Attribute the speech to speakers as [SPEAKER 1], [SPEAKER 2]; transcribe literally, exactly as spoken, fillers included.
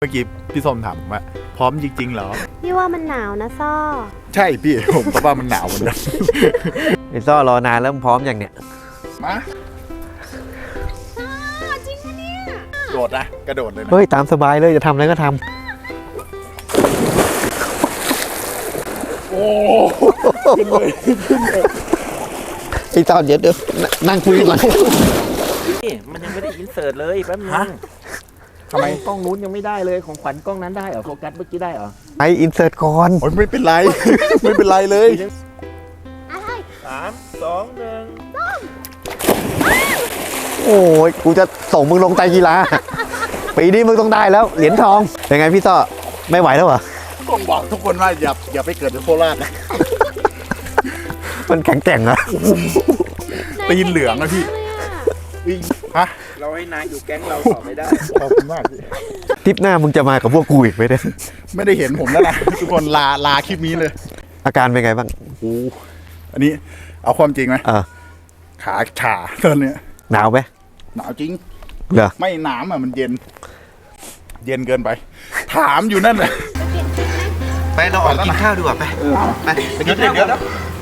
[SPEAKER 1] เมื่อกี้พี่ส้มถามว่าพร้อมจริงๆเหรอ
[SPEAKER 2] พี่ว่ามันหนาวนะซ่อ
[SPEAKER 1] ใช่พี่ผมก็ว่ามันหนาวเหมือนกัน
[SPEAKER 3] ไอ้ซ่อรอนานแล้วพร้อมอย่างเนี้ย
[SPEAKER 1] มา
[SPEAKER 2] จริงปะเนี่ย
[SPEAKER 1] โดดนะกระโดดเลยนะ
[SPEAKER 3] เฮ้ยตามสบายเลยจะทำอะไรก็ทำ
[SPEAKER 1] โอ้ขึ้นเลยขึ้นเลย
[SPEAKER 3] ไอ้ซ่อเดี๋ยวเดี๋ยวนั่งคุยกันหลัง
[SPEAKER 4] นี่มันยังไม่ได้อินเสิร์ตเลยแป๊บนึง
[SPEAKER 1] ทำไม
[SPEAKER 4] กล้องนู้นยังไม่ได้เลยของขวัญกล้องนั้นได้เหรอโฟกัสเมื่อกี้ได้เหรอ
[SPEAKER 3] ไออินเสิร์ตก่อน
[SPEAKER 1] โอ้ยไม่เป็นไรไม่เป็นไรเลย
[SPEAKER 2] อะไร
[SPEAKER 4] สามสองหนึ่ง
[SPEAKER 3] โอ้ยกูจะส่งมึงลงไตรกีฬาปีนี้มึงต้องได้แล้วเหรียญทองยังไงพี่ซ่อไม่ไหวแล้วเหรอ
[SPEAKER 1] ต้องบอกทุกคนว่าอย่าอย่าไปเกิดในโคราชนะ
[SPEAKER 3] มันแข็งแกร่งนะ
[SPEAKER 1] ตีนเหลืองนะพี่ฮะ
[SPEAKER 4] เราให้นายอยู่แก๊งเราต่อไม่ได้
[SPEAKER 1] ขอบคุณมากพี่
[SPEAKER 3] ทริปหน้ามึงจะมากับพวกกูอีกไหมเนี่ย
[SPEAKER 1] ไม่ได้เห็นผมแล้วนะทุกคนลาลาคลิปนี้เลย
[SPEAKER 3] อาการเป็นไงบ้าง
[SPEAKER 1] โอ้อันนี้เอาความจริงไหม
[SPEAKER 3] เออ
[SPEAKER 1] ขาชาตอนเนี้ย
[SPEAKER 3] หนาวไหม
[SPEAKER 1] หนาวจริง
[SPEAKER 3] เหรอ
[SPEAKER 1] ไม่หนาวอ่ะมันเย็นเย็นเกินไปถามอยู่นั่นแหละ
[SPEAKER 3] ไปเราออกกินข้าวดีกว่าไป
[SPEAKER 1] ไปไปกินข้าวกัน